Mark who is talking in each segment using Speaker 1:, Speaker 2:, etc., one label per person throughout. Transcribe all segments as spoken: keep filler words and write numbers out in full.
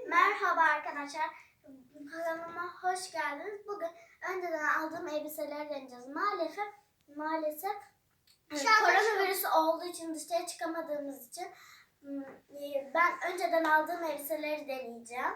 Speaker 1: Merhaba arkadaşlar. Kanalıma hoş geldiniz. Bugün önceden aldığım elbiseleri deneyeceğiz. Maalesef maalesef koronavirüs olduğu için dışarı çıkamadığımız için ben önceden aldığım elbiseleri deneyeceğim.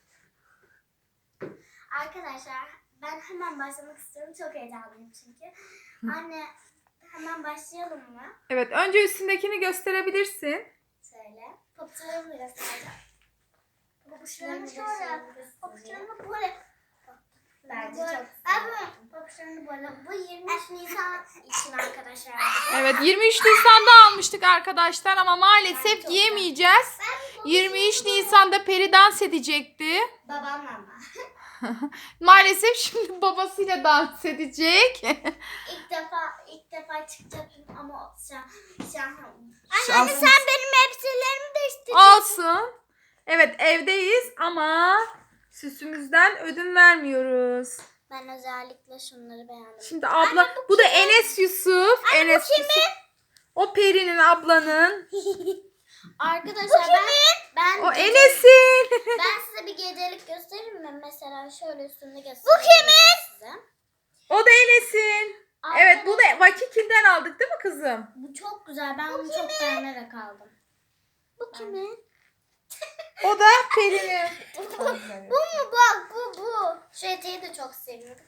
Speaker 1: Arkadaşlar ben hemen başlamak istiyorum. Çok heyecanlıyım çünkü. Anne hemen başlayalım mı?
Speaker 2: Evet, önce üstündekini gösterebilirsin.
Speaker 1: Şöyle. Papuçlarımı göstereceğim. Papuçlarımı şöyle. Papuçlarımı böyle. Bence çok güzel. Papuçlarımı böyle. Bu yirmi üç Nisan için arkadaşlar.
Speaker 2: Evet, yirmi üç Nisan'da almıştık arkadaşlar ama maalesef
Speaker 1: çok
Speaker 2: giyemeyeceğiz. yirmi üç Nisan'da Peri dans edecekti.
Speaker 1: Babamla ama.
Speaker 2: Maalesef şimdi babasıyla dans edecek.
Speaker 1: İlk defa ilk defa çıkacaktım ama şu an şu an.
Speaker 2: Anne
Speaker 1: sen benim elbiselerimi değiştirdin.
Speaker 2: Olsun. Evet, evdeyiz ama süsümüzden ödün vermiyoruz.
Speaker 1: Ben özellikle şunları beğendim.
Speaker 2: Şimdi abla,
Speaker 1: Anne, bu
Speaker 2: bu da Enes Yusuf.
Speaker 1: Anne,
Speaker 2: Enes
Speaker 1: bu kimin?
Speaker 2: Yusuf. O Peri'nin, ablanın.
Speaker 1: Arkadaşlar ben ben
Speaker 2: O Enes'in.
Speaker 1: ben size bir gecelik göstereyim mi? Mesela şöyle üstünde göstereyim.
Speaker 2: Bu kimin?
Speaker 1: Size.
Speaker 2: O da Enes'in. Evet, bu da Vakikil'den aldık değil mi kızım?
Speaker 1: Bu çok güzel. Ben bunu çok beğenerek aldım. Bu kimin?
Speaker 2: O da Peri'nin.
Speaker 1: Bu mu? Bak bu bu. Şu eteği de çok seviyorum.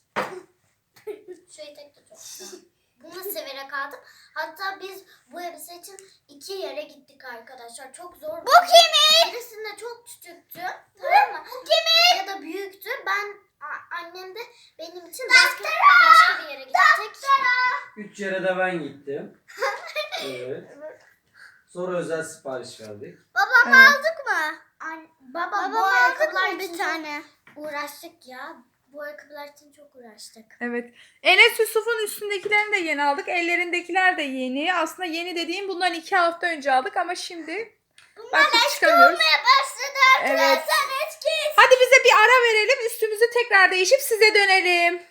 Speaker 1: Şu etek de çok güzel. Bunu severek aldım. Hatta biz bu elbise için iki yere gittik arkadaşlar. Çok zor. Bu kimin? Birisinde çok küçüktü. Tamam mı? Bu kimin? Ya da büyüktü. Ben a- annem de benim için başka, başka bir yere gittik.
Speaker 3: Üç yere de ben gittim. Evet. Sonra özel sipariş verdik.
Speaker 1: Babam
Speaker 2: Evet.
Speaker 1: aldık mı? An baba,
Speaker 4: Babam
Speaker 1: bu
Speaker 4: aldık
Speaker 1: ayakkabılar
Speaker 4: mı bir
Speaker 1: için
Speaker 4: tane?
Speaker 1: çok uğraştık ya. Bu ayakkabılar için çok uğraştık.
Speaker 2: Evet. Enes Yusuf'un üstündekilerini de yeni aldık. Ellerindekiler de yeni. Aslında yeni dediğim bundan iki hafta önce aldık ama şimdi baktık çıkamıyoruz.
Speaker 1: Başladı
Speaker 2: Evet.
Speaker 1: eski.
Speaker 2: Hadi bize bir ara verelim. Üstümüzü tekrar değişip size dönelim.